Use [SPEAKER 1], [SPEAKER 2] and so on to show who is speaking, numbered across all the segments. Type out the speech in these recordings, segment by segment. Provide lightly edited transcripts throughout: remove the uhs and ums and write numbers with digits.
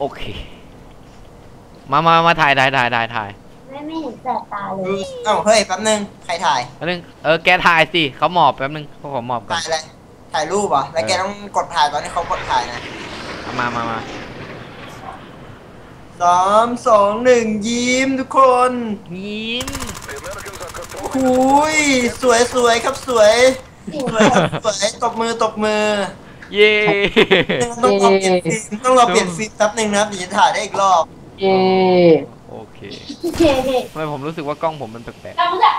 [SPEAKER 1] โอเคมาถ่าย
[SPEAKER 2] ไม่เห็นแสบตาเลย
[SPEAKER 3] เอ้าเฮ้ยแป๊บนึงใครถ่าย
[SPEAKER 1] แป๊บนึงแกถ่ายสิเขาหมอบแป๊บนึงเขาขอหมอบก่อน
[SPEAKER 3] ถ่ายอะไรถ่ายรูปเหรอแล้วแกต้องกดถ่ายตอนที่เขากดถ่ายนะ
[SPEAKER 1] มา
[SPEAKER 3] 3 2 1ยิ้มทุกคน
[SPEAKER 1] ยิ้ม
[SPEAKER 3] หุยสวยครับสวยตบมือ
[SPEAKER 1] เย่
[SPEAKER 3] ต้องรอเปลี่ยนฟิล์มแป๊บนึงนะถึงจะถ่ายได้อีกรอบ
[SPEAKER 2] เย่
[SPEAKER 1] โอเคทำไมผมรู้สึกว่ากล้องผมมันแปลก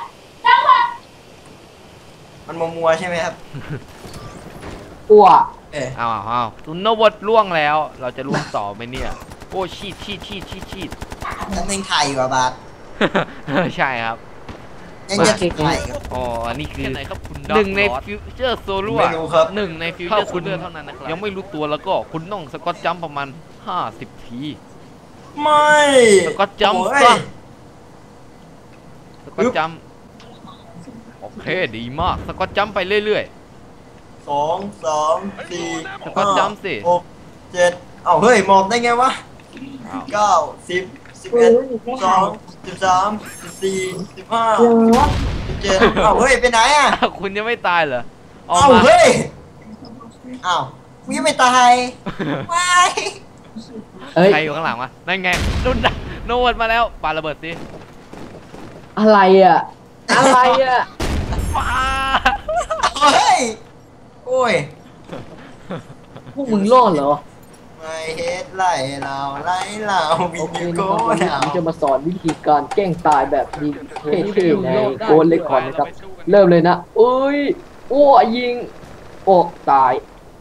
[SPEAKER 3] มันมัวใช่ไหมครับ
[SPEAKER 2] อ้ว
[SPEAKER 1] อ้าวตุนนวัดล่วงแล้วเราจะล่วงต่อไหมเนี่ยโอ้ชีด
[SPEAKER 3] แป๊บนึงถ่ายอยู่บาส
[SPEAKER 1] ใช่ครับ
[SPEAKER 3] ยังจะถ่าย
[SPEAKER 1] อ๋ออันนี้คือหนึ่งในฟิวเจอร์โซลูหนึ่งในฟิวเจอร์โซลูเท่านั้นนะครับยังไม่รู้ตัวแล้วก็คุณต้องสกอตจัมประมาณ50 ที
[SPEAKER 3] ไม่
[SPEAKER 1] สกอตจัมซะสกอตจัมโอเคดีมากสกอตจัมไปเรื่อย
[SPEAKER 3] ๆ2 3 4
[SPEAKER 1] สกอตจัมสิ
[SPEAKER 3] 6 7เฮ้ยมองได้ไงวะ9 10 11 12 13 14 15 17เฮ้ยไปไหนอ่ะ
[SPEAKER 1] คุณยังไม่ตายเหรอ
[SPEAKER 3] เฮ้ยกูยังไม่ตายไม่
[SPEAKER 1] ใครอยู่ข้างหลังวะนั่นไงโนดมาแล้วปาระเบิดสิ
[SPEAKER 2] อะไรอ่ะ
[SPEAKER 1] ปา
[SPEAKER 3] เฮ้ยโอ้ย
[SPEAKER 2] พวกมึงรอดเหรอ
[SPEAKER 3] ไม่เฮ็ดไล่เราวิญญาณโก้
[SPEAKER 2] ผมจะมาสอนวิธีการแกล้งตายแบบนี้เท่ๆในโกนเล็กก่อนนะครับเริ่มเลยนะยิงตาย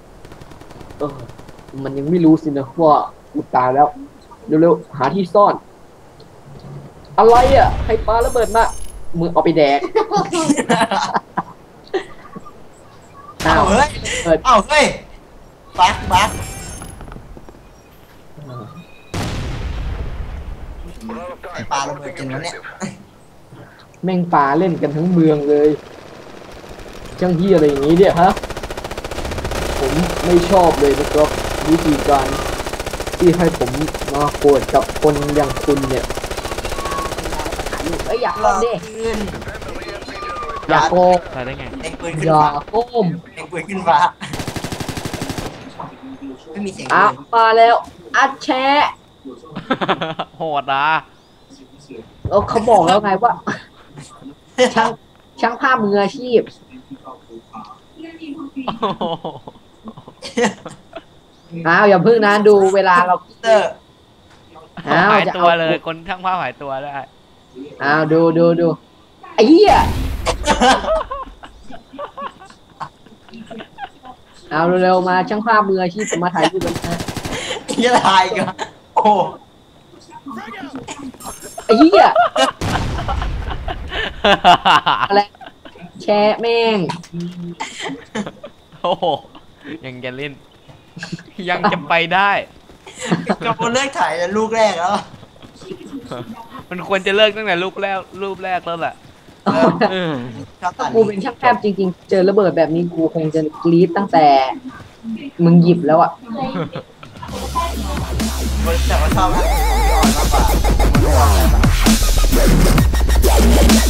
[SPEAKER 2] มันยังไม่รู้สินะว่ากูตายแล้วเร็วๆหาที่ซ่อนอะไรอ่ะใครปาระเบิดมามึงเอาไปแดก
[SPEAKER 3] เฮ้ยบักปลาระเบิดกันแล้วเนี่ย
[SPEAKER 2] แม่งปลาเล่นกันทั้งเมืองเลยช่างเฮียอะไรอย่างนี้เนี่ยฮะผมไม่ชอบเลยนะครับวิธีการที่ให้ผมมาโกรธกับคนอย่างคุณเนี่ยอยากลองดิอยากโกง
[SPEAKER 1] อะไรได้ไง
[SPEAKER 2] อยากโกง
[SPEAKER 3] ปืนขึ้นฟ้าไม่มีเสียง
[SPEAKER 2] มาแล้วอัดแชะ
[SPEAKER 1] โหดอ่ะ
[SPEAKER 2] เขาบอกแล้วไงว่าช่างภาพมืออาชีพอย่าพึ่งนะดูเวลาเรา
[SPEAKER 1] หายตัวเลยคนช่างภาพหายตัวได้
[SPEAKER 2] ดูไอ้เหี้ยเร็วๆมาช่างภาพมืออาชีพมาถ่ายรูปกันนะ
[SPEAKER 3] ถ่ายกัน
[SPEAKER 2] ไอ้เหี้ยอะไรแชร์แม่ง
[SPEAKER 1] โอ้โหยังจะเล่นยังจะไปได้
[SPEAKER 3] กับคนเลิกถ่ายลูกแรกแล้ว
[SPEAKER 1] มันควรจะเลิกตั้งแต่รูปแรกแล้วแหละ
[SPEAKER 2] กูเป็นช่างภาพจริงๆเจอระเบิดแบบนี้กูคงจะกรี๊ดตั้งแต่มึงหยิบแล้วอ่ะ
[SPEAKER 3] แต่ว่าชอบอ่อนมากกว่า